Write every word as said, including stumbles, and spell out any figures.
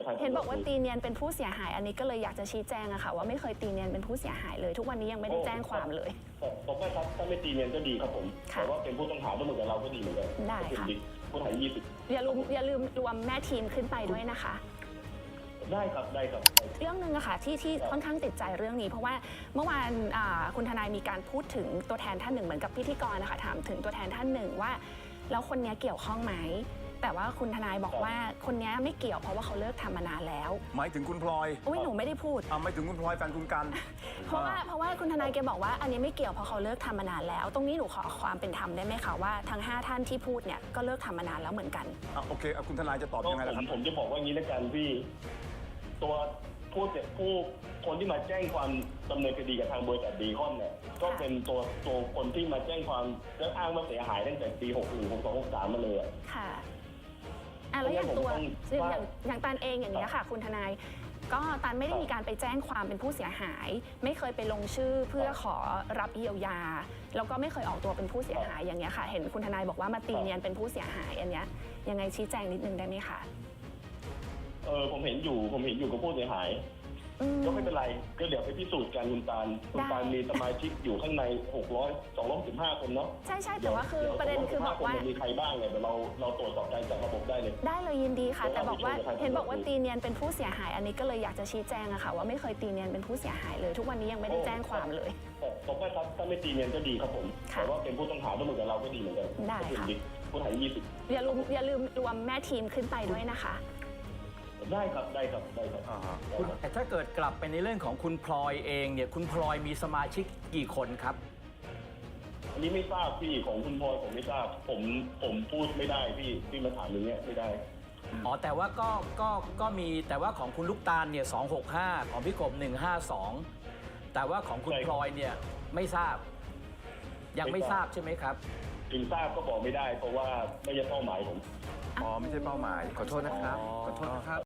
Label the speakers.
Speaker 1: เห็นบอกว่าตีเนียนเป็นผู้เสียหายอันนี้ก็เลยอยากจะชี้แจงอะค่ะว่าไม่เคยตีเนียนเป็นผู้เสียหายเลยทุกวันนี้ยังไม่ได้แจ้งความเลย
Speaker 2: ผมว่าครับถ้าไม่ตีเนียนก็ดีครับผมแต่ว่าเป็นผู้ต้องหาด้วยเหมือนกับเราก็ดีเหมือนกัน
Speaker 1: ได้ค่ะ
Speaker 2: ผู้ต้องหายี่สิบ
Speaker 1: อย่าลืมอย่าลืมรวมแม่ทีมขึ้นไปด้วยนะคะ
Speaker 2: ได้ครับได้ครับ
Speaker 1: เรื่องหนึ่งอะค่ะที่ที่ค่อนข้างติดใจเรื่องนี้เพราะว่าเมื่อวานคุณทนายมีการพูดถึงตัวแทนท่านหนึ่งเหมือนกับพิธีกรนะคะถามถึงตัวแทนท่านหนึ่งว่าแล้วคนนี้เกี่ยวข้องไหมแต่ว่าคุณทนายบอกว่าคนนี้ไม่เกี่ยวเพราะว่าเขาเลิกทำมานานแล้ว
Speaker 3: หมายถึงคุณพลอย
Speaker 1: อุ้ยหนูไม่ได้พูด
Speaker 3: อ่าหมายถึงคุณพลอยแฟนคุณกัน
Speaker 1: เพราะว่าเพราะว่าคุณทนายแกบอกว่าอันนี้ไม่เกี่ยวเพราะเขาเลิกทำมานานแล้วตรงนี้หนูขอความเป็นธรรมได้ไหมคะว่าทั้งห้าท่านที่พูดเนี่ยก็เลิกทำมานานแล้วเหมือนกัน
Speaker 3: อ่าโอเคคุณทนายจะตอบยังไงล่ะครับ
Speaker 2: ผมจะบอกว่างี้ละกันพี่ตัวผู้ผู้คนที่มาแจ้งความดำเนินคดีกับทางบริษัทดีคอนเนี่ยก็เป็นตัวตัวคนที่มาแจ้งความแล้วอ้างว่าเสียหายตั้งแต่ปีหกหนึ่งหกสองหกสามมาเลย
Speaker 1: ค่ะอ่ะแล้วอย่างตัวอย่างอย่างตันเองอย่างนี้ค่ะคุณทนายก็ตันไม่ได้มีการไปแจ้งความเป็นผู้เสียหายไม่เคยไปลงชื่อเพื่อขอรับเยียวยาแล้วก็ไม่เคยออกตัวเป็นผู้เสียหายอย่างนี้ค่ะเห็นคุณทนายบอกว่ามาตีเนียนเป็นผู้เสียหายอันนี้ยังไงชี้แจงนิดนึงได้ไหมคะ
Speaker 2: เออผมเห็นอยู่ผมเห็นอยู่กับผู้เสียหายก็ไม่เป็นไรก็เดี๋ยวไปพิสูจน์กันคุณตาลคุณตาลมีสมาชิกอยู่ข้างในหกร้อย สองร้อยสิบห้าคนเนาะ
Speaker 1: ใช่ใช่แต่ว่าคือประเด็นคือบอกว่า
Speaker 2: มีใครบ้างเนี่ยเดี๋ยวเราเราตรวจสอบการจากระบบได้เลย
Speaker 1: ได้เลยยินดีค่ะแต่บอกว่าเห็นบอกว่าตีเนียนเป็นผู้เสียหายอันนี้ก็เลยอยากจะชี้แจงอะค่ะว่าไม่เคยตีเนียนเป็นผู้เสียหายเลยทุกวันนี้ยังไม่ได้แจ้งความเลย
Speaker 2: ผมว่าถ้าไม่ตีเนียนก็ดีครับผมแต่ว่าเป็นผู้ต้องหาด้วยเหมือนกับเราก็ดีเหมือนกัน
Speaker 1: ได้ค่ะ
Speaker 2: ผู้ต้องหายี่สิบ
Speaker 1: อย่าลืมอย่าลืมรวมแม่ทีมขึ้นไปด้วยนะคะ
Speaker 2: ได้ครับได้ครับได้ครับ
Speaker 4: แต่ถ้าเกิดกลับไปในเรื่องของคุณพลอยเองเนี่ยคุณพลอยมีสมาชิกกี่คนครับ
Speaker 2: อันนี้ไม่ทราบพี่ของคุณพลอยผมไม่ทราบผมผมพูดไม่ได้พี่พี่มาถามอย่างเงี้ยไม่ได้
Speaker 4: อ๋อแต่ว่าก็ก็ก็มีแต่ว่าของคุณลูกตาลเนี่ยสองหกห้าของพี่กบหนึ่งห้าสองแต่ว่าของคุณพลอยเนี่ยไม่ทราบยังไม่ทราบใช่ไหมครับ
Speaker 2: ถึงทราบก็บอกไม่ได้เพราะว่าไม่ใช่เป้าหมายผม
Speaker 3: อ๋อไม่ใช่เป้าหมายขอโทษนะครับขอโทษนะครับ